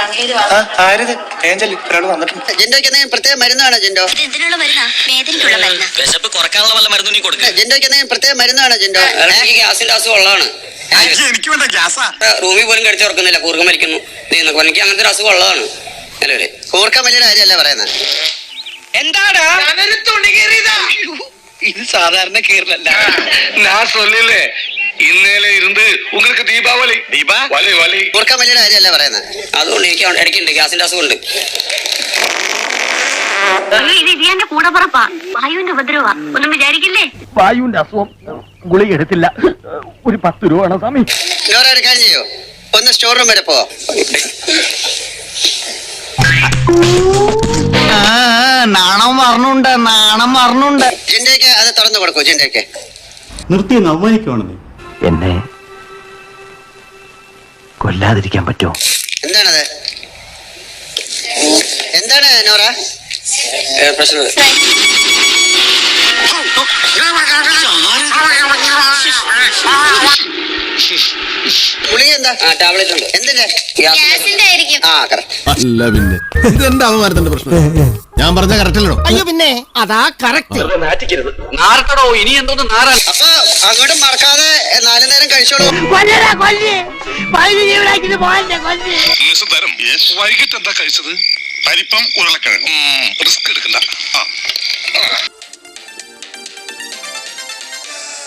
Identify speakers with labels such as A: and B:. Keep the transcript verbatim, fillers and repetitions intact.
A: ജിൻഡോയ്ക്ക് എന്തെങ്കിലും പ്രത്യേക മരുന്നാണോ ജിൻഡോ?
B: ഇതിനുള്ള മരുന്നാ, വേദനയ്ക്കുള്ള മരുന്നാ.
C: വിശപ്പ് കുറക്കാനുള്ള വല്ല മരുന്നും നീ കൊടുക്കുക.
A: ജിൻഡോയ്ക്ക് എന്തെങ്കിലും പ്രത്യേക മരുന്നാണോ ജിൻഡോ?
C: ഗ്യാസിന്റെ അസുഖം ഉള്ളതാണ്.
D: എനിക്ക് വേണ്ട ഗ്യാസാ.
C: റൂമിൽ പോലും കഴിച്ചു തുറക്കുന്നില്ല, കൂർക്കം മരിക്കുന്നു. എനിക്ക് അങ്ങനത്തെ ഒരു അസുഖം ഉള്ളതാണ്. അല്ലേ,
A: കൂർക്കം വലിയ കാര്യമല്ല പറയുന്നത്.
C: എന്താടാ ഇത് സാധാരണ കേരളല്ല.
D: ഞാൻ സൊല്ലില്ലേ ഇന്നലെ ഇരുന്ന് உங்களுக்கு ദീപാവലി ദീപാവലി വലി
A: കൂർക്കം വലിയ കാര്യമല്ല പറയുന്നത്.
C: അതുകൊണ്ട് എനിക്ക് ഇടയ്ക്കുണ്ട് ഗ്യാസിന്റെ അസുഖം ഉണ്ട്.
B: ഇത് കൂടെ പറപ്പാ, വായുവിന്റെ ഉപദ്രവ, ഒന്നും വിചാരിക്കില്ലേ.
E: വായുവിന്റെ അസുഖം ഗുളിക എടുത്തില്ല, ഒരു പത്ത് രൂപ വേണം സ്വാമി.
A: ഒരു കാര്യം ചെയ്യോ, ഒന്ന് സ്റ്റോർ റൂം വരെ പോ.
E: നാണം മറന്നുണ്ട്, നാണം മറന്നുണ്ട്.
A: ജിൻഡോയ്ക്ക് അത് തുറന്നു കൊടുക്കൂ. ജിൻഡോയ്ക്ക്
F: നിർത്തി അവമാനിക്കുവാണെന്നേ.
E: എന്നെ കൊല്ലാതിരിക്കാൻ പറ്റുമോ?
A: എന്താണത്? എന്താണ് നോറ
C: പ്രശ്നം?
A: ഗുളിക എന്താ?
C: ടാബ്ലറ്റ് ഉണ്ട്.
A: എന്തിന്റെ?
B: ഗ്യാസിന്റെ ആയിരിക്കും.
A: ആ കറക്റ്റ്.
F: അല്ല പിന്നെ ഇത് എന്റെ അവമാനത്തിന്റെ പ്രശ്നം. ഞാൻ പറഞ്ഞ കറക്റ്റ് അല്ലോ?
E: അയ്യോ പിന്നെ അതാ കറക്റ്റ്.
C: നാർക്കടോ, ഇനി എന്തോന്ന് നാറാൻ.
A: അപ്പൊ അങ്ങോട്ടും മറക്കാതെ നാലു നേരം കഴിച്ചോളൂ.
D: വൈകിട്ട് എന്താ കഴിച്ചത്? പരിപ്പം ഉരുളക്കിഴങ്ങും. റിസ്ക് എടുക്കണ്ട.